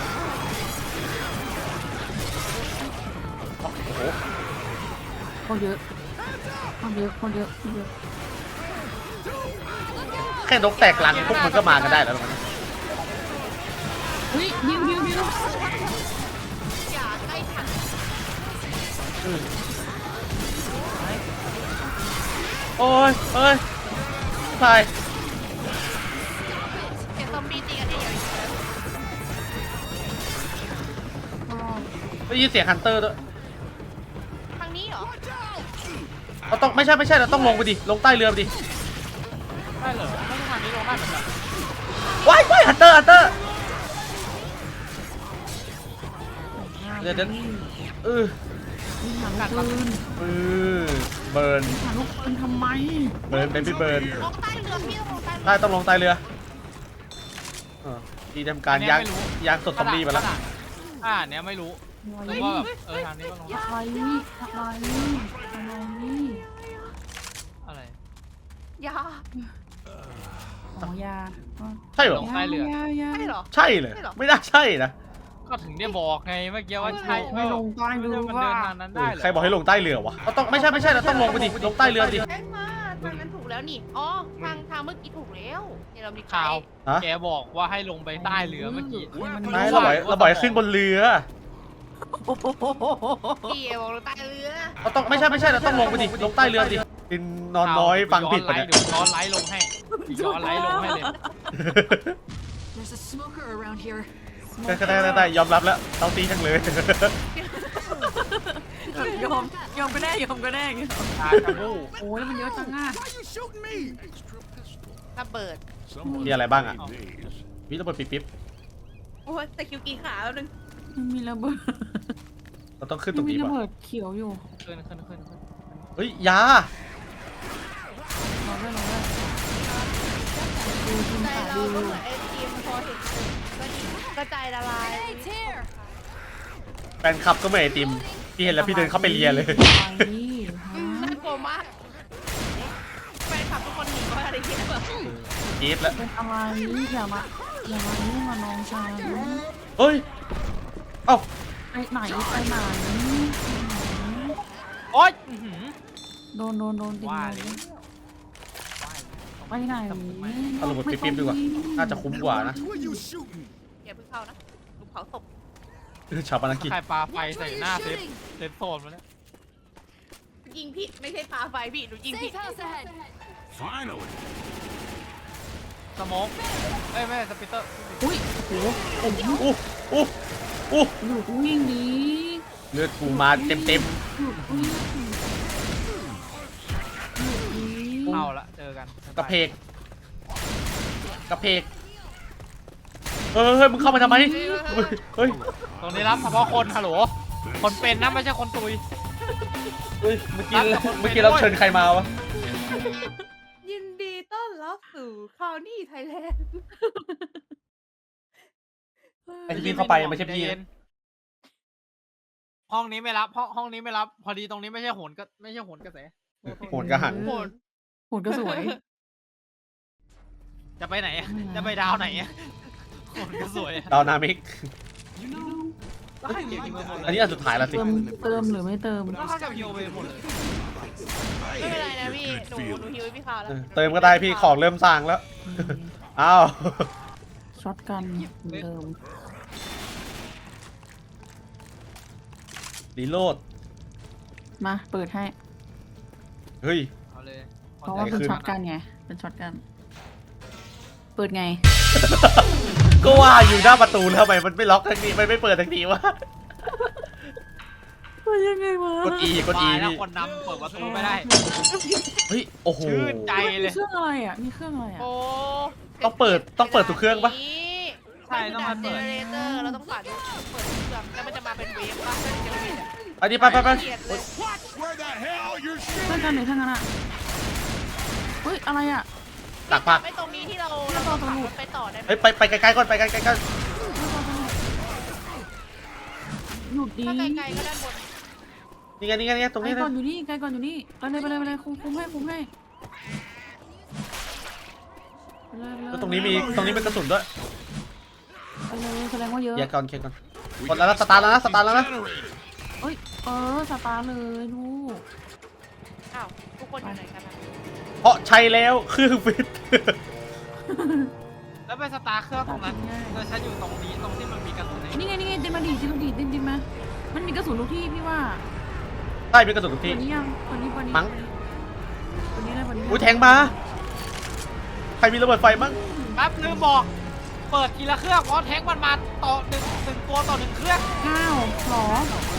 [SPEAKER 2] โอ้โห
[SPEAKER 1] คนเยอะคนเยอะคนเยอะคนเยอะ
[SPEAKER 2] แค่นกแตกลังพวกมันก็มากันได้แล้วมัน
[SPEAKER 1] อุ้ยดิวดิวดิว
[SPEAKER 4] อย่าใกล้ถัง
[SPEAKER 2] โอ้ยเอ้ยใช่
[SPEAKER 4] เห็นซอมบี้ตีกันเองอย่างนี้
[SPEAKER 2] ได้ยินเสียงฮันเตอร์ด้วย
[SPEAKER 4] ทางนี้เหรอ
[SPEAKER 2] เราต้องไม่ใช่ไม่ใช่เราต้องลงไปดิลงใต้เรือไปดิ
[SPEAKER 3] ได้เหรอไม่ใช่ทางนี้ลงได้เหมือนกัน
[SPEAKER 2] ว้ายว้ายฮันเตอร์ฮันเตอร์เดี๋ยวเดี๋ยวเออ
[SPEAKER 1] มีหาลูกปืน
[SPEAKER 2] เออเบิร์น
[SPEAKER 1] หาลูกปืนทำไม
[SPEAKER 2] เบิร์นเป็นพี่เบิร์น
[SPEAKER 4] ลงใต้เรือพี่ลงใต้เรือ
[SPEAKER 2] ใต้ต้องลงใต้เรือเออดีทำการย่างย่างสดซอมบี้ไปแล้ว
[SPEAKER 3] อ่าเนี้ยไม่รู้แต่ว่าแบบเออทางนี้ก็ลงได้
[SPEAKER 1] อะไรอะไรอะไร
[SPEAKER 3] อะไร
[SPEAKER 4] อย่า
[SPEAKER 1] อ๋อยา
[SPEAKER 2] ใช่เหรอ
[SPEAKER 3] ลงใต้เรือ
[SPEAKER 1] ยายา
[SPEAKER 4] ใช่เหรอ
[SPEAKER 2] ใช่เลยไม่น่าใช่นะ
[SPEAKER 3] ก็ถึงได้บอกไงเมื่อกี้ว่าใช่
[SPEAKER 1] ไม่ลงใต้เรือ
[SPEAKER 3] มัน
[SPEAKER 1] ว่า
[SPEAKER 3] เดินทางนั้นได้เหรอ
[SPEAKER 2] ใครบอกให้ลงใต้เรือวะเราต้องไม่ใช่ไม่ใช่เราต้องลงไปดิลงใต้เรือดิ
[SPEAKER 4] แจ้งมาทางนั้นถูกแล้วนี่อ๋อทางทางเมื่อกี้ถูกแล้วเนี่ยเรามี
[SPEAKER 3] ข่าว
[SPEAKER 2] ฮะ
[SPEAKER 3] แกบอกว่าให้ลงไปใต้เรือเมื่อกี้
[SPEAKER 2] ไม่เราบอกเราบอกให้ขึ้นบนเรือ
[SPEAKER 4] พี่บอกเราใต้เรือ
[SPEAKER 2] เราต้องไม่ใช่ไม่ใช่เราต้องลงไปดิลงใต้เรือดิดินนอนน้อยฟังผิด
[SPEAKER 3] ไป
[SPEAKER 2] ปะเนี่ย
[SPEAKER 3] เดี๋ยวย้อนไลฟ์ลงให้ย้อนไลฟ์ลงให้เลย
[SPEAKER 7] There's a smoker around here.
[SPEAKER 2] ได้ได้ได้ได้ยอมรับแล้วเต้าตีจังเลย
[SPEAKER 1] ยอมยอมก็ได้ยอมก็ได้
[SPEAKER 3] ตากระบู
[SPEAKER 1] โอ้ยมันเยอะจังอ่ะ
[SPEAKER 5] Why you shooting me? Extra pistol.
[SPEAKER 4] ระเบิด
[SPEAKER 5] Someone's
[SPEAKER 2] Yeah, like bang
[SPEAKER 5] playing
[SPEAKER 2] it.
[SPEAKER 5] these.
[SPEAKER 2] วิระเบิดปิ๊บปิ๊บ
[SPEAKER 4] โอ้ยแต่คิวกี่ขาแล้วนึง
[SPEAKER 1] มันมีระเบิด
[SPEAKER 2] เราต้องขึ้นต
[SPEAKER 1] มั
[SPEAKER 2] ร
[SPEAKER 1] น
[SPEAKER 2] ง
[SPEAKER 1] มี
[SPEAKER 2] นี้
[SPEAKER 1] ระ
[SPEAKER 2] ป่ะ
[SPEAKER 1] เบิดเขียวอยู่
[SPEAKER 3] ขึ้นขึ้นขึ้นขึ้น
[SPEAKER 2] เฮ้ยยา
[SPEAKER 1] รอด้วยรอด้วยดูทีม
[SPEAKER 4] ใจ
[SPEAKER 1] ขา
[SPEAKER 4] เรา
[SPEAKER 1] ดู
[SPEAKER 4] ก็เหมือนไอทีมพอถึงก็ดีก็ใจละลาย
[SPEAKER 7] It's here.
[SPEAKER 2] แฟนคลับก็เหมือนไอติมพี่เห็นแล้วพี่เดินเข้าไปเลียเลย
[SPEAKER 1] อะไร
[SPEAKER 4] อืมน่ากลัวมากแฟนคลับทุกคนหนีว่าอะไรเงี้ยแบบ
[SPEAKER 2] กรี๊ดแล้ว
[SPEAKER 1] เป็นอะไรอย่ามาอย่ามายุ่งกับน้องชาย
[SPEAKER 2] เฮ้ยเอ้า
[SPEAKER 1] ไปไหนไปไหน
[SPEAKER 3] โอ๊ยอื้อหือ
[SPEAKER 1] โดนโดนโดนติด
[SPEAKER 3] ว่า
[SPEAKER 1] เล
[SPEAKER 3] เลย
[SPEAKER 1] ยไปไหน
[SPEAKER 2] เอาระเบิดปิ๊บปิ๊บดีกว่าน่าจะคุ้มกว่านะ
[SPEAKER 5] Who are you shooting?
[SPEAKER 4] อย่าเพิ่งเข้านะลูกเผาศพ
[SPEAKER 2] ชาวปนกิจ
[SPEAKER 3] ใครปาไฟ
[SPEAKER 7] Watch
[SPEAKER 3] ใส่
[SPEAKER 7] where
[SPEAKER 3] หน้า
[SPEAKER 7] you're
[SPEAKER 3] เซฟ
[SPEAKER 7] shooting.
[SPEAKER 3] เซฟโซนมาแล้ว
[SPEAKER 4] ยิงพี่ไม่ใช่ปาไฟพี่หนูยิงพี่
[SPEAKER 7] Safe house ahead.
[SPEAKER 5] Finally.
[SPEAKER 3] สโมกเอ้ยไม่ใช่สปิตเตอร์
[SPEAKER 1] อุ้ยโอ้โห
[SPEAKER 2] โอ้โหโอ้โอ้
[SPEAKER 1] หยุดวิ่งดี
[SPEAKER 2] เลือดกูมาเต็มเต็ม
[SPEAKER 1] หยุดวิ่งหยุดดี
[SPEAKER 3] เอาละเจอกัน
[SPEAKER 2] ๆกระเพกกระเพกเฮ้ยเฮ้ยมึงเข้ามาทำไมเฮ้ย
[SPEAKER 3] ตรงนี้รับเฉพาะคนฮัลโหลคนเป็นนะไม่ใช่คนตุย
[SPEAKER 2] เฮ้ยเมื่อกี้เมื่อกี้เราเชิญใครมาวะ
[SPEAKER 4] ยินดีต้อนรับสู่คาวนี่ไทยแลนด์
[SPEAKER 2] ไอ้ที่พี่เข้าไปไม่ใช่พี่
[SPEAKER 3] ใจเย็
[SPEAKER 2] นะ
[SPEAKER 3] นห้องนี้ไม่รับห้องห้องนี้ไม่รับ พอดีตรงนี้ไม่ใช่โหนก็ไม่ใช่โหนกระแส
[SPEAKER 2] โหนกระหัง
[SPEAKER 1] โหนโหนก็สวย
[SPEAKER 3] จะไปไหนอะจะไปดาวไหนอะคนก็สวยอะ
[SPEAKER 2] ดาวนามิก
[SPEAKER 3] ได้เกี่ยวกับหมดเล
[SPEAKER 2] อัน
[SPEAKER 3] ย
[SPEAKER 2] นี้อันสุดท้ายแล้วสิ
[SPEAKER 1] เติมเติมหรือไม่เติม
[SPEAKER 3] ก็เข้ากับโยไปหมดเลย
[SPEAKER 4] ไม่เป็นไรนะพี่หนูหนูฮิวให้พี่ขาวแล้ว
[SPEAKER 2] เออเติมก็ได้พี่ของเริ่มสร้างแล้ว อ้าว
[SPEAKER 1] ช็อตกันเหมือนเดิม
[SPEAKER 2] รีโหลด
[SPEAKER 1] มาเปิดให้
[SPEAKER 2] เฮ้ย
[SPEAKER 3] เอาเลย
[SPEAKER 1] เพราะว่าเป็นช็อตกันไงเป็นช็อตกัน เปิดไง
[SPEAKER 2] ก็ว่าอยู่หน้าประตูแล้วทำไมมันไม่ล็อกทางนี้ไม่ไม่เปิดทางนี้วะ
[SPEAKER 1] เปิดยังไงวะ
[SPEAKER 2] กด E กด E
[SPEAKER 3] ตายแล้ว
[SPEAKER 2] พี่
[SPEAKER 3] คนนำเปิดประตูไม่ได้
[SPEAKER 2] เฮ้ยโอ้โห
[SPEAKER 3] ชื่นใจ
[SPEAKER 1] มี
[SPEAKER 3] เลย
[SPEAKER 1] เครื่องอะไรอ่ะมีเครื่องอะไรอ่ะ
[SPEAKER 4] โอ้
[SPEAKER 2] ต้องเปิดต้องเปิดทุกเครื่องปะ
[SPEAKER 3] ใช่ต้องมา
[SPEAKER 4] เจ
[SPEAKER 3] เปิด
[SPEAKER 4] เนเรเตอร์เราต้องปัดเปิดทุกเครื่องแล้วมันจะมาเป็นเวฟป่ะถ้าเจเนเรเตอร์
[SPEAKER 2] อันนี้ไปไปไป
[SPEAKER 4] เกลียดเลย
[SPEAKER 5] Where the hell you're
[SPEAKER 1] เครื่องกันหรือทั้งนั้นอ่ะเฮ้ยอะไรอ่ะ
[SPEAKER 2] ตักผัก
[SPEAKER 4] ไม่ตรงนี้ที่เราเราขับรถไปต่อได้ไหม
[SPEAKER 2] เฮ้ยไปไปไกลๆก่อนไปไกลๆก่อน
[SPEAKER 1] หยุดดี
[SPEAKER 4] ถ้าไกลๆก็ด้านบน
[SPEAKER 2] นี่ไงนี่ไงนี่ไงตรง
[SPEAKER 1] ไกล
[SPEAKER 2] นี้เล
[SPEAKER 1] ก่อย นอยู่นี่ไกลก่อนอยู่นี่ไปเลยไปเลยไปเลยคุ้มคุ้มให้คุ้มให้ไปเลยไปเลย
[SPEAKER 2] แล้วตรงนี้มีตรงนี้เป็นกระสุนด้วย
[SPEAKER 1] ไปเลยแสดงว่าเยอะ
[SPEAKER 2] เคลียร์ก่อนเคลียร์ก่อนกดแล้วนะสตาร์ทแล้วนะสตาร์ทแล้วนะ
[SPEAKER 1] เอ้ยเออสตาร์เลยลูก
[SPEAKER 4] อ้าวทุกคนอยู่ไหนกันนะ
[SPEAKER 2] เพราะใช้แล้วเครื่องฟิต
[SPEAKER 3] แล้วไปสตาร์ทเครื่องตรงนั้นแล้วฉันอยู่ตรงนี้ตรงที่มันมีกระสุน
[SPEAKER 1] นี่ไงนี่ไงดินมาดีดินมาดีดินดินมามันมีกระสุนทุกที่พี่ว่า
[SPEAKER 2] ใช่มีกระสุนทุก
[SPEAKER 1] ตั
[SPEAKER 2] ที่
[SPEAKER 1] วนี้ยังตัวนี้ตัวนี้
[SPEAKER 2] มั้ง
[SPEAKER 1] ตัวนี้เลยตัวนี้
[SPEAKER 2] อุ้ยแทงมาใครมีระเบิดไฟมั้ง
[SPEAKER 3] แป๊บลืมบอกเปิดทีละเครื่องเพราะแทงมันมาต่อหนึ่งหนึ่งตัวต่อหนึ่งเครื่อง
[SPEAKER 1] อ้าวหรอ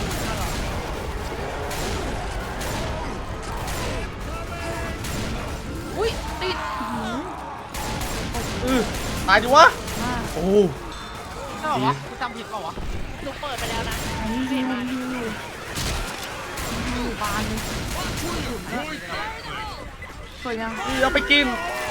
[SPEAKER 1] อุ้ยติดหืม
[SPEAKER 2] เออตายดิวะ
[SPEAKER 1] มาก
[SPEAKER 2] โอ้
[SPEAKER 3] ใช่ป่าวะกูจำผิดเปล่าวะ
[SPEAKER 4] หนูเปิดไปแล้วนะ
[SPEAKER 1] อันนี้ดีมันดีอยู่ดีอยู่บานเลยสวยยัง
[SPEAKER 2] นี่เอาไปกิน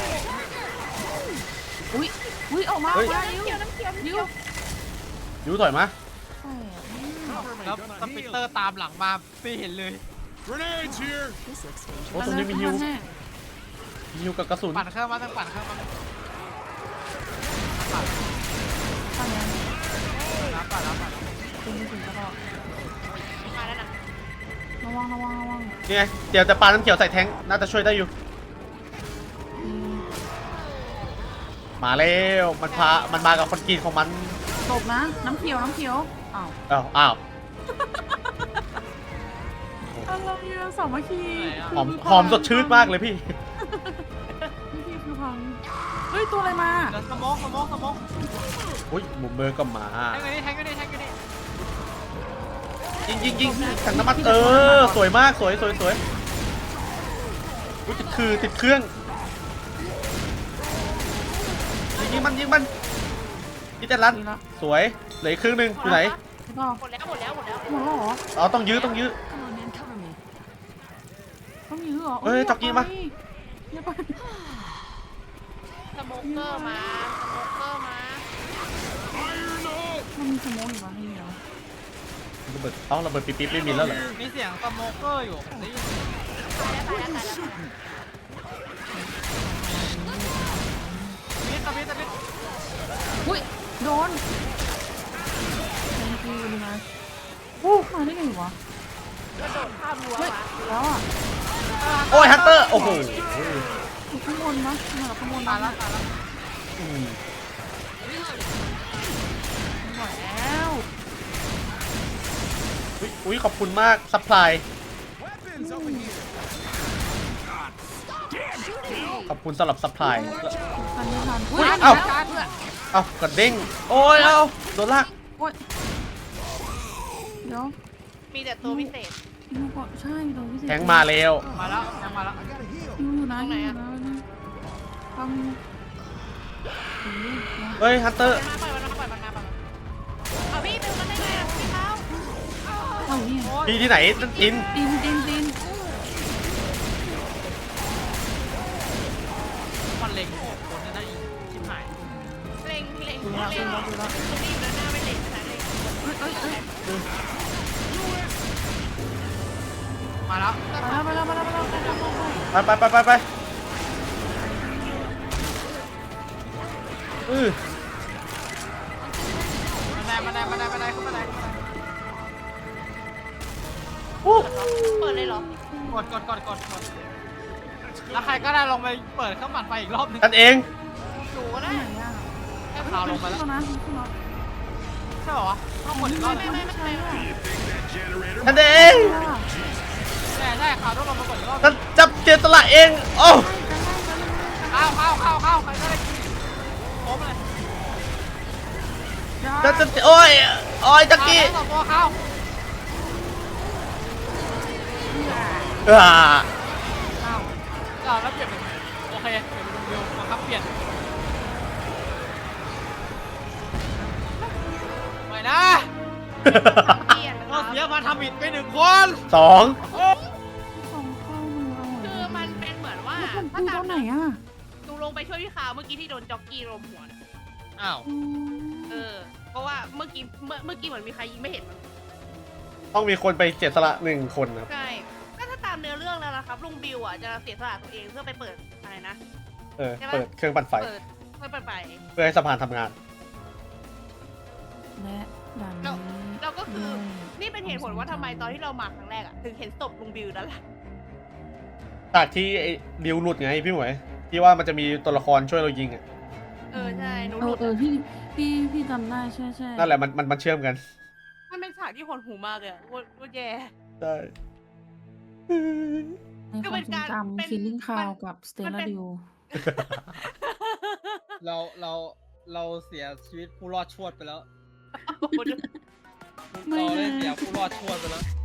[SPEAKER 1] อุ้ยอุ้ยออกมา
[SPEAKER 2] เฮ้ย
[SPEAKER 1] ออกมายิ้ว
[SPEAKER 4] เขียวน้ำเขียว
[SPEAKER 1] ยิ้ว
[SPEAKER 2] ยูถอยมา
[SPEAKER 1] ใช่อะ
[SPEAKER 3] แล้วสปิตเตอร์ตามหลังมาไม่เห็นเลย
[SPEAKER 5] Grenades here.
[SPEAKER 2] โอ้ตรงนี้มีฮิว
[SPEAKER 1] แน่
[SPEAKER 2] มีฮิวกับกระสุน
[SPEAKER 3] ปั่นเครื่องมาต้องปั่นเครื่องมา
[SPEAKER 1] ปั่นยัง
[SPEAKER 3] รับปั่นรับปั่น
[SPEAKER 1] เป็นถึงกระบอก
[SPEAKER 4] มาแล้วนะ
[SPEAKER 1] ระวังระวังระวัง
[SPEAKER 2] นี่ไงเดี๋ยวจะปาน้ำเขียวใส่แทงค์น่าจะช่วยได้อยู่
[SPEAKER 1] อืม
[SPEAKER 2] มาแล้วมันพามันมากับคนกินของมัน
[SPEAKER 1] ตกนะ น้ำเขียวน้ำเขียวอ้าว
[SPEAKER 2] อ้าวอ้าว
[SPEAKER 1] อะไรอะสามัคคี
[SPEAKER 2] หอมหอมสดชื่นมากเลยพี่
[SPEAKER 1] พี่พี่คือพังเฮ้ย ตัวอะไรมา
[SPEAKER 3] เดี๋ยวสมองสมองสมอง
[SPEAKER 2] อุ้ยมุมเบอร์ก็มา
[SPEAKER 3] แทงกันดิแทงกันดิแทงกันดิ
[SPEAKER 2] ยิงยิงยิงถังน้ำมันเออสวยมากสวยสวยสวยอุ้ยติดคือติดเครื่องยิงยิงมันยิงมันยิงแต่ลัน
[SPEAKER 1] ดีละ
[SPEAKER 2] สวยเหลืออีกครึ่งหนึงอยู่ไหน
[SPEAKER 1] พี่พ่อ
[SPEAKER 4] หมดแล้วหมดแล้วหมดแล้ว
[SPEAKER 1] หมดแล้วเหรอ
[SPEAKER 2] อ๋อต้องยื้อต้องยื้อ
[SPEAKER 1] ต้องยื้อเหรอ
[SPEAKER 2] เอ้ยจ็อกกี้มา
[SPEAKER 1] อย่าไป
[SPEAKER 4] สโมเกอร์มาสโมเกอร์มา
[SPEAKER 1] มันมีสโมองอยู่วะให้เหรอ
[SPEAKER 2] ระเบิดเอ้าระเบิดปิ๊บปิ๊บไม่มีแล้วเหรอ
[SPEAKER 3] มีเสียงสโมเกอร์อยู่ได้ยิน
[SPEAKER 4] ตายแล้วตายแล้วตายแล้ว
[SPEAKER 3] มิดตะมิดตะมิด
[SPEAKER 1] อุ้ยโดน thank you เลยนะอู้มาได้ไงวะ
[SPEAKER 4] กระโดดข้ามรั้ว
[SPEAKER 1] เฮ้ย
[SPEAKER 4] มา
[SPEAKER 1] แล้วอ่ะ
[SPEAKER 2] โอ้ยฮันเตอร์โอ้โห
[SPEAKER 1] อยู่ข้างบนนะมากับข้างบน
[SPEAKER 3] ตาย
[SPEAKER 1] นะ
[SPEAKER 3] แล้วตายแล้ว
[SPEAKER 2] อืม
[SPEAKER 1] ไม่ไหวแล้ว
[SPEAKER 2] อุ๊ยอุ้ยขอบคุณมากซัพพลาย
[SPEAKER 5] Weapons over here.
[SPEAKER 2] ขอบคุณสำหรับซัพพลาย
[SPEAKER 1] ทันไม่ทัน
[SPEAKER 2] อุ๊ย
[SPEAKER 1] ทัน
[SPEAKER 2] เอ้า
[SPEAKER 1] แล้ว
[SPEAKER 2] เอ้ากระเด้งโอ้ยเอ้าโดนลาก
[SPEAKER 1] โอ้ยเดี๋ยว
[SPEAKER 4] มีแต่ตัวพิเศษ
[SPEAKER 1] ดูก่อนใช่ตรงพิเศษ
[SPEAKER 2] แทงมาแล้ว
[SPEAKER 3] มาแล้วแทงมาแล้ว
[SPEAKER 1] ดูอยู่นะ
[SPEAKER 4] ตรงไหน
[SPEAKER 1] อยู่
[SPEAKER 4] อะ
[SPEAKER 1] นะฟัง
[SPEAKER 2] เฮ้ยฮันเตอร์
[SPEAKER 4] มาปล่อยมันมาปล่อยมันมาปล่อยมันเอาพี่เป็นมันได้ไงอ่ะพี่เขา
[SPEAKER 1] เข้านี่
[SPEAKER 2] พี่ที่ไหนนั่นอิน
[SPEAKER 1] ตีนตีนตีน
[SPEAKER 3] มันเล็งโอ้คนนั้นได้อีกชิบหาย
[SPEAKER 4] เล็งเล็ง
[SPEAKER 1] ดู
[SPEAKER 4] เล็
[SPEAKER 1] ละ
[SPEAKER 4] ง
[SPEAKER 1] ดูละดูละ
[SPEAKER 4] ตรงนี้อยู่ด้านหน้าไม่เล็งขนาดเล็ง
[SPEAKER 1] เอ้ยเอ้ยเอ้ย
[SPEAKER 3] มาแล้ว
[SPEAKER 1] ไปแล้วไปแล้วไปแล้วไปแล้วไปแล้วไปแล้ว
[SPEAKER 2] ไปไปไปไปไปอือ
[SPEAKER 3] มาได้มาได้มาได้มาได้ขึ้นมาได้ขึ้นมาได้
[SPEAKER 2] อู้
[SPEAKER 4] เปิดเลยเหรอก
[SPEAKER 3] ดกดกดกดกดแล้วใครก็ได้ลงไปเปิดเครื่องปั่นไฟอีกรอบนึง
[SPEAKER 2] กันเอง
[SPEAKER 4] หนูก็ได้
[SPEAKER 1] ไหนอ่ะ
[SPEAKER 3] แค่ข่าวลงไปแล้ว
[SPEAKER 1] ขึ้นแล้วนะขึ้นแล้ว
[SPEAKER 3] ใช่เหรอวะต้องกดอีกรอบนึง
[SPEAKER 4] ไม่ไม่ไม่ไม่
[SPEAKER 2] กันเอง
[SPEAKER 3] ใช่ใช่ข่าวต้องลงไปกดอีกรอบ
[SPEAKER 2] กันจับเจตละเอง โอ้
[SPEAKER 3] เข้าเข้าเข้าเข้าใครก็ได้โค้งเลย
[SPEAKER 2] จะจะโอ้ยโอ้ยจักกี้
[SPEAKER 3] สองตัวเข้า
[SPEAKER 2] อ่า
[SPEAKER 3] เข้าเข้าแล้วเปลี่ยนเป็นโอเคเปลี่ยนเป็นวิวบังคับเปลี่ยนไม่นะ
[SPEAKER 4] เปลี่ยนนะค
[SPEAKER 3] เรา
[SPEAKER 4] รับ
[SPEAKER 3] เสียมาทำผิดไปหนึ่งคน
[SPEAKER 2] สอง
[SPEAKER 1] ส่งเข้ามือเอา
[SPEAKER 4] คือมันเป็นเหมือนว่า
[SPEAKER 1] แล้วผม
[SPEAKER 4] ถ้า
[SPEAKER 1] ดู
[SPEAKER 4] ตา
[SPEAKER 1] ต
[SPEAKER 4] ม
[SPEAKER 1] อนไหนอ่ะ
[SPEAKER 4] หนูลงไปช่วยพี่ขาวเมื่อกี้ที่โดนจ็อกกี้ลมหัวน่ะ
[SPEAKER 3] อ้าว
[SPEAKER 1] อืม
[SPEAKER 4] เออ เพราะว่าเมื่อกี้เมื่อเมื่อกี้เหมือนมีใครยิงไม่เห็นมัน
[SPEAKER 2] ต้องมีคนไปเจตละหนึ่งคนครับ
[SPEAKER 4] ใช่ก็ถ้าตามเนื้อเรื่องแล้วนะครับลุงบิวอ่ะจะเสียสละตัวเองเพื่อไปเปิดอะไรนะ
[SPEAKER 2] เออ เปิดเครื่องปั่นไฟ
[SPEAKER 4] เปิดเพื่อไปไป
[SPEAKER 2] เพื่อให้สะพานทำงาน
[SPEAKER 1] และด่าน
[SPEAKER 4] เรา
[SPEAKER 1] นี้
[SPEAKER 4] เราก็คือ
[SPEAKER 1] ด้วย
[SPEAKER 4] นี่เป็นเหตุผลว่าทำไมตอนที่เรามาครั้งแรกอ่ะถึงเห็นศพลุงบิวนั่นแหละ
[SPEAKER 2] จากที่ไอ้ดิวหลุดไงพี่หมวยที่ว่ามันจะมีตัวละครช่วยเรายิงอ่ะ
[SPEAKER 4] เออใช่หนู
[SPEAKER 1] เอ
[SPEAKER 4] หลุ
[SPEAKER 1] อ
[SPEAKER 4] ด
[SPEAKER 1] เออพี่พี่พี่จำได้ใช่ใช่
[SPEAKER 2] นั่นแหละมันมันมันเชื่อมกัน
[SPEAKER 4] มันเป็นฉากที่หดหูมากเลยอะโคตรโคตรแย่
[SPEAKER 2] ใช่
[SPEAKER 1] ในความทรงจำคิลลิ่งคาวกับสเตล
[SPEAKER 4] มัน
[SPEAKER 1] ล่า
[SPEAKER 4] เป็น
[SPEAKER 1] ดิว
[SPEAKER 3] เราเราเราเสียชีวิตผู้รอดชวดไปแล้ว
[SPEAKER 4] โอ้โห
[SPEAKER 1] ไม่
[SPEAKER 3] เรา
[SPEAKER 1] นะ
[SPEAKER 3] ได้เสียผู้รอดชวดไปแล้ว